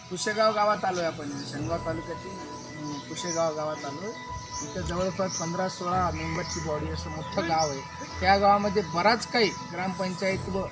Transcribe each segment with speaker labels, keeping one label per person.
Speaker 1: कुशेगाव गावात आलो आहे आपण. शेनगाव तालुक्यातील कुशेगाव गावात आलो आहे. इथं जवळपास 15-16 मेंबरची बॉडी असं मोठं गाव आहे. त्या गावामध्ये बराच काही ग्रामपंचायत व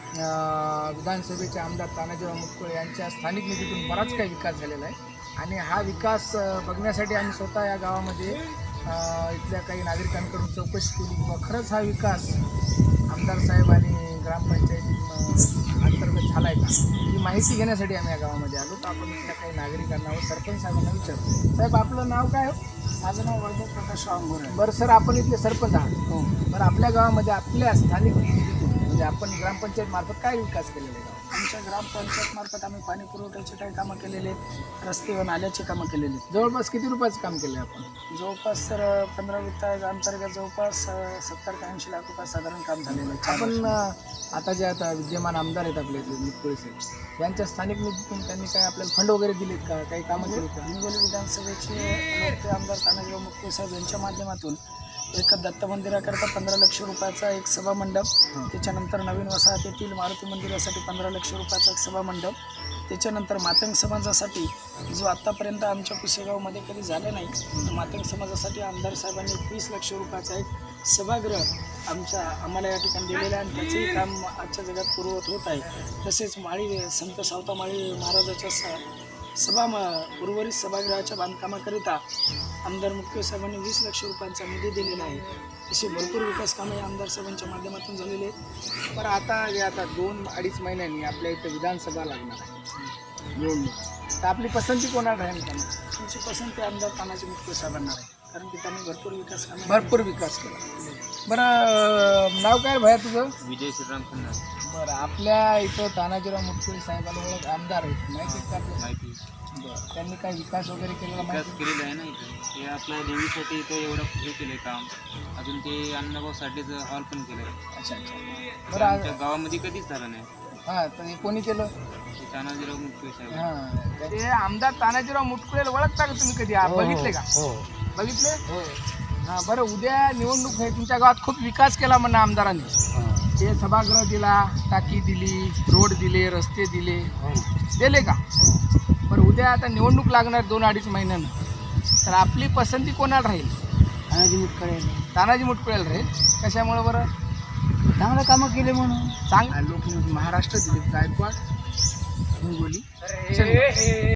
Speaker 1: विधानसभेचे आमदार तानाजीराव मुटकुळे यांच्या स्थानिक निधीतून बराच काही विकास झालेला आहे. आणि हा विकास बघण्यासाठी आम्ही स्वतः या गावामध्ये इथल्या काही नागरिकांकडून चौकशी केली किंवा खरंच हा विकास आमदार साहेब आणि ग्रामपंचायत अंतर्गत झाला आहे का, ही माहिती घेण्यासाठी आम्ही या गावामध्ये आलो. तर आपण इथल्या काही नागरिकांना व सरपंच साहेबांना विचारतो. साहेब, आपलं नाव काय हो?
Speaker 2: माझं नाव वैभव प्रकाश वांगोरे.
Speaker 1: बरं सर, आपण इथले सरपंच आहात.
Speaker 2: हो.
Speaker 1: बरं, आपल्या गावामध्ये आपल्या स्थानिक निधीतून म्हणजे आपण ग्रामपंचायत मार्फत काय विकास केलेला आहे?
Speaker 2: आमच्या ग्रामपंचायत मार्फत आम्ही पाणी पुरवठ्याचे काही कामं केलेले आहेत, रस्ते व नाल्याचे कामं केलेले आहेत.
Speaker 1: जवळपास किती रुपयाचं काम केलं आहे आपण?
Speaker 2: जवळपास सर 15 वित्त अंतर्गत जवळपास 70 ते 80 लाख रुपये साधारण काम झालेलं आहे.
Speaker 1: आपण आता जे आता विद्यमान आमदार आहेत आपले मुटकुळे साहेब, यांच्या स्थानिक निधीतून त्यांनी काय आपल्याला फंड वगैरे दिलेत का, काही कामं केली का?
Speaker 2: हिंगोली विधानसभेचे लोकप्रिय आमदार तानाजीराव मुटकुळे साहेब यांच्या माध्यमातून एक दत्त मंदिराकरता 15 लक्ष रुपयाचा एक सभा मंडप, त्याच्यानंतर नवीन वसाहत येथील मारुती मंदिरासाठी 15 लक्ष रुपयाचा एक सभा मंडप, त्याच्यानंतर मातंग समाजासाठी जो आत्तापर्यंत आमच्या कुशेगावमध्ये कधी झालं नाही, मातंग समाजासाठी आमदार साहेबांनी 20 लक्ष रुपयाचा एक सभागृह आम्हाला या ठिकाणी दिलेलं आहे आणि त्याचंही काम आजच्या जगात पूर्ववत होत आहे. तसेच माळी संत सावता माळी महाराजाच्या उर्वरित सभागृहाच्या बांधकामाकरिता आमदार मुटकुळे साहेबांनी 20 लक्ष रुपयांचा निधी दिलेला आहे. अशी भरपूर विकास कामे आमदार साहेबांच्या माध्यमातून झालेली आहेत.
Speaker 1: पण आता जे आता 2-2.5 महिन्यांनी आपल्या इथं विधानसभा लागणार आहे निवडणूक, तर आपली पसंती कोणाला राहील? त्यांना
Speaker 2: तुमची पसंती आमदार तानाजी मुटकुळे साहेबांना आहे, कारण की त्यांनी भरपूर विकास कामे
Speaker 1: भरपूर विकास केला. बरं, नाव काय भैया तुझं?
Speaker 3: विजय श्रीराम खन्ना.
Speaker 1: बरं, आपल्या इथं तानाजीराव मुटकुळे साहेबांना ओळख आमदार आहेत, माहिती आहे का आपल्याला?
Speaker 3: माहिती
Speaker 1: बरं, त्यांनी काही विकास वगैरे केलेला
Speaker 3: विकास
Speaker 1: माहिती?
Speaker 3: केलेला आहे ना इथं. ते आपल्या देवीसाठी इथं एवढं हे केलं काम. अजून ते अण्णाभाऊसाठीच हॉल पण केलं आहे.
Speaker 1: अच्छा अच्छा.
Speaker 3: ते
Speaker 1: बरं,
Speaker 3: आमच्या गावामध्ये कधीच झालं नाही.
Speaker 1: हां, तर हे कोणी केलं?
Speaker 3: ते तानाजीराव मुटकुळे साहेब.
Speaker 1: हां, तर हे आमदार तानाजीराव मुटकुळे ओळखता का तुम्ही कधी? बघितले का? बघितले? हां. बरं, उद्या निवडणूक आहे, तुमच्या गावात खूप विकास केला म्हणा आमदारांनी. ते सभागृह दिला, टाकी दिली, रोड दिले, रस्ते दिले का? बरं, उद्या आता निवडणूक लागणार 2-2.5 महिन्यानं, तर आपली पसंती कोणाला राहील?
Speaker 2: तानाजी मुटकुळे
Speaker 1: तानाजी मुटकुळेला राहील. कशामुळे बरं?
Speaker 2: चांगलं कामं केले म्हणून.
Speaker 1: लोकन्यूज महाराष्ट्र, दिलीप गायकवाड, हिंगोली.